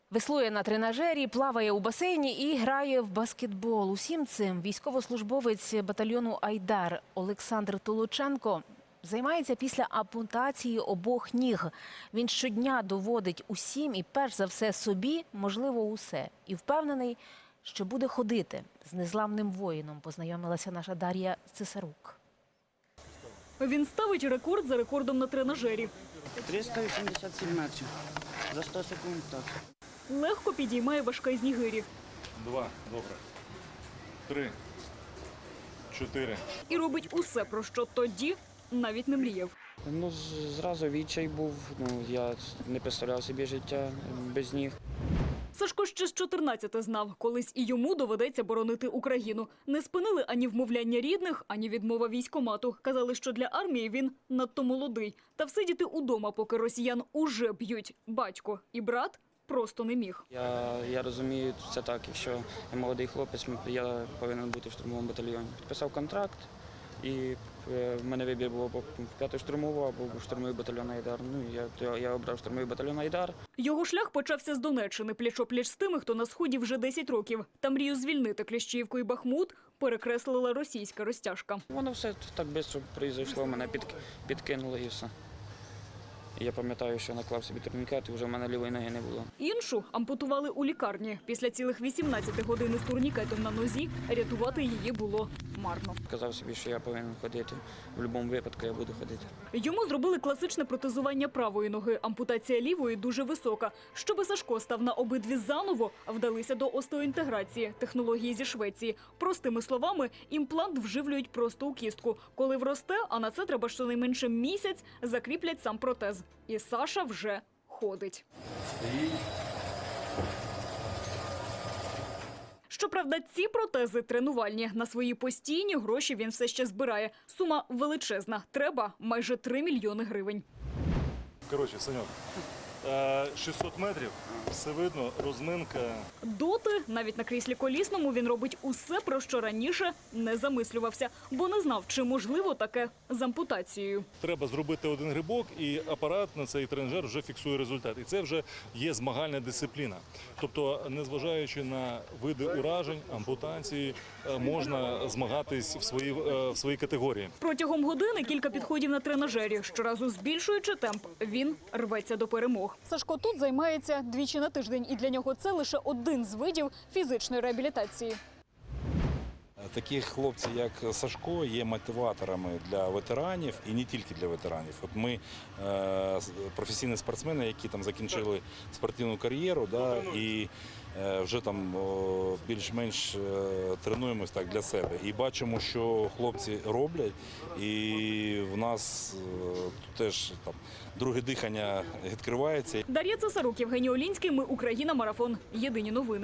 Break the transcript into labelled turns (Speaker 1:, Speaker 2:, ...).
Speaker 1: Веслує на тренажері, плаває у басейні і грає в баскетбол. Усім цим військовослужбовець батальйону «Айдар» Олександр Толоченко займається після ампутації обох ніг. Він щодня доводить усім і перш за все собі можливо усе. І впевнений, що буде ходити з незламним воїном, познайомилася наша Дар'я Цесарук.
Speaker 2: Він ставить рекорд за рекордом на тренажері.
Speaker 3: 387 метрів. За 100 секунд так.
Speaker 2: Легко підіймає важка з нігирі.
Speaker 4: 2, добре. 3, 4.
Speaker 2: І робить усе, про що тоді навіть не мріяв.
Speaker 3: Зразу відчай був. Я не представляв собі життя без ніг.
Speaker 2: Сашко ще з 14 знав, колись і йому доведеться боронити Україну. Не спинили ані вмовляння рідних, ані відмова військкомату. Казали, що для армії він надто молодий. Та всидіти удома, поки росіян уже б'ють батько і брат, просто не міг.
Speaker 3: Я розумію, це так, якщо я молодий хлопець, я повинен бути в штурмовому батальйоні. Підписав контракт, і в мене вибір був або в 5-ю штурмову, або в штурмовий батальйон «Айдар». Я обрав штурмовий батальйон «Айдар».
Speaker 2: Його шлях почався з Донеччини, пліч-о-пліч з тими, хто на Сході вже 10 років. Та мрію звільнити Кліщіївку і Бахмут перекреслила російська розтяжка.
Speaker 3: Воно все так швидко пройшло, мене підкинуло і все. Я пам'ятаю, що наклав собі турнікет, і вже в мене лівої ноги не було.
Speaker 2: Іншу ампутували у лікарні. Після цілих 18 годин з турнікетом на нозі рятувати її було марно.
Speaker 3: Казав собі, що я повинен ходити. В будь-якому випадку я буду ходити.
Speaker 2: Йому зробили класичне протезування правої ноги. Ампутація лівої дуже висока. Щоби Сашко став на обидві заново, вдалися до остеоінтеграції, технології зі Швеції. Простими словами, імплант вживлюють просто у кістку. Коли вросте, а на це треба щонайменше місяць, закріплять сам протез. І Саша вже ходить. Щоправда, ці протези тренувальні. На свої постійні гроші він все ще збирає. Сума величезна. Треба майже 3 мільйони гривень.
Speaker 4: Коротше, Саньок, 600 метрів, все видно, розминка.
Speaker 2: Доти, навіть на кріслі колісному, він робить усе, про що раніше не замислювався, бо не знав, чи можливо таке з ампутацією.
Speaker 4: Треба зробити один грибок, і апарат на цей тренажер вже фіксує результат. І це вже є змагальна дисципліна. Тобто, незважаючи на види уражень, ампутації, можна змагатись в своїй категорії.
Speaker 2: Протягом години кілька підходів на тренажері. Щоразу збільшуючи темп, він рветься до перемог. Сашко тут займається двічі на тиждень, і для нього це лише один з видів фізичної реабілітації.
Speaker 5: Такі хлопці, як Сашко, є мотиваторами для ветеранів і не тільки для ветеранів. От ми професійні спортсмени, які там закінчили спортивну кар'єру, і вже там більш-менш тренуємось так для себе. І бачимо, що хлопці роблять, і в нас теж там друге дихання відкривається.
Speaker 2: Дар'я Цесарук, Євгеній Олінський. Ми Україна. Марафон. Єдині новини.